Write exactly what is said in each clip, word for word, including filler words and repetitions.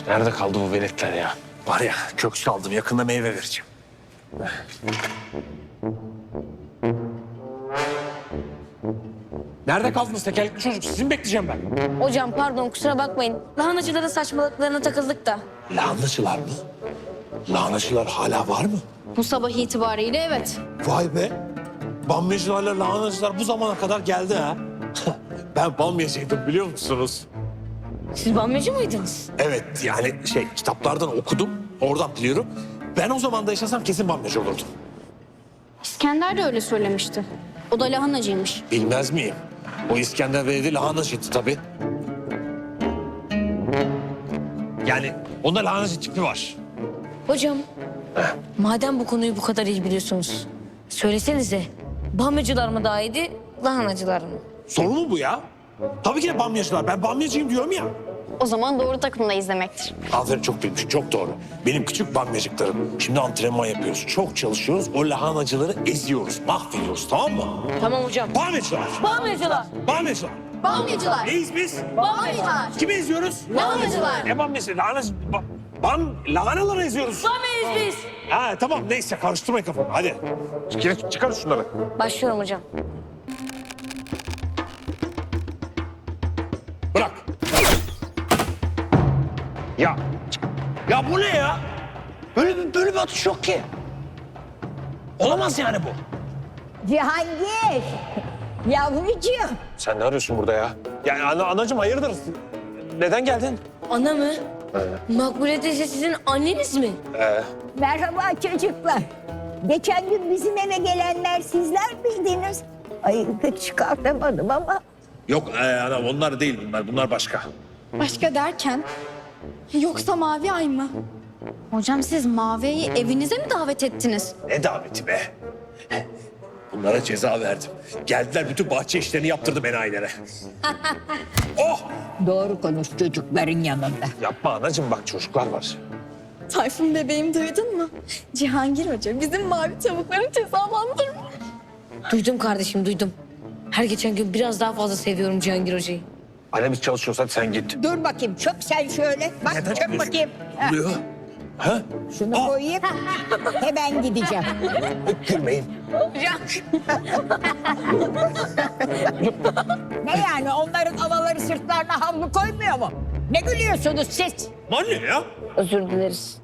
Nerede kaldı bu veletler ya? Var ya kök saldım, yakında meyve vereceğim. Nerede kaldınız tekerlekli çocuk? Sizi mi bekleyeceğim ben? Hocam pardon kusura bakmayın. Lahanacıların saçmalıklarına takıldık da. Lahanacılar mı? Lahanacılar hala var mı? Bu sabah itibariyle evet. Vay be. Bamyacılarla lahanacılar bu zamana kadar geldi ha. Ben bamyacıydım biliyor musunuz? Siz bamyacı mıydınız? Evet yani şey kitaplardan okudum. Oradan biliyorum. Ben o zaman da yaşasam kesin bamyacı olurdum. İskender de öyle söylemişti. O da lahanacıymış. Bilmez miyim? O İskender Bey de lahanacıydı tabii. Yani onda lahanacı tipi var. Hocam madem bu konuyu bu kadar iyi biliyorsunuz. Söylesenize bamyacılar mı daha iyiydi lahanacılar mı? Soru mu bu ya? Tabii ki de bamyacılar. Ben bamyacıyım diyorum ya. O zaman doğru takımdayız demektir. Aferin çok bilmiş, çok doğru. Benim küçük bamyacıklarım. Şimdi antrenman yapıyoruz. Çok çalışıyoruz. O lahanacıları eziyoruz, mahvediyoruz tamam mı? Tamam hocam. Bamyacılar. Bamyacılar. Bamyacılar. Bamyacılar. Neyiz biz? Bamyacılar. Kimi eziyoruz? Lahanacılar. Ne bamyacı? Lahanacı. Ba bam, lahanaları eziyoruz. Bamyacıyız biz. Ha tamam neyse karıştırmayın kafamı hadi. Çıkar, çıkar şunları. Başlıyorum hocam. Bırak. Ya. Ya bu ne ya? Böyle bir, böyle bir atış yok ki. Olamaz yani bu. Cihangir, yavrucuğum. Sen ne arıyorsun burada ya? Yani ana, anacığım hayırdır? Neden geldin? Ana mı? Makbule teyze sizin anneniz mi? Ee, Merhaba çocuklar. Geçen gün bizim eve gelenler sizler miydiniz? Ay pek çıkartamadım ama. yok ee, ana onlar değil bunlar. Bunlar başka. Başka derken? Yoksa Mavi Ay mı? Hocam siz Mavi Ay'ı evinize mi davet ettiniz? Ne daveti be? Bunlara ceza verdim. Geldiler bütün bahçe işlerini yaptırdım enayilere. Oh! Doğru konuş çocukların yanında. Yapma anacığım bak çocuklar var. Tayfun bebeğim duydun mu? Cihangir Hoca bizim mavi tavukları cezalandırmış. Duydum kardeşim duydum. Her geçen gün biraz daha fazla seviyorum Cihangir Hoca'yı. Anne biz çalışıyoruz hadi sen git. Dur bakayım çöp sen şöyle. Bak Neden çöp çıkıyorsun? bakayım. Ha, Ne oluyor? Ha? şunu Aa! koyayım. Hemen gideceğim. Gülmeyin. Ne yani onların anaları sırtlarına havlu koymuyor mu? Ne gülüyorsunuz siz? Anne ya. Özür dileriz.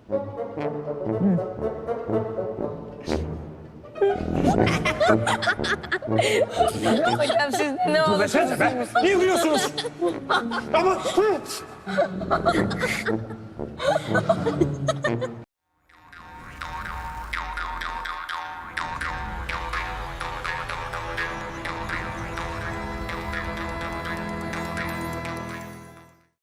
Hocam siz ne Dur oldu? desenize be. Niye gülüyorsunuz? Ama...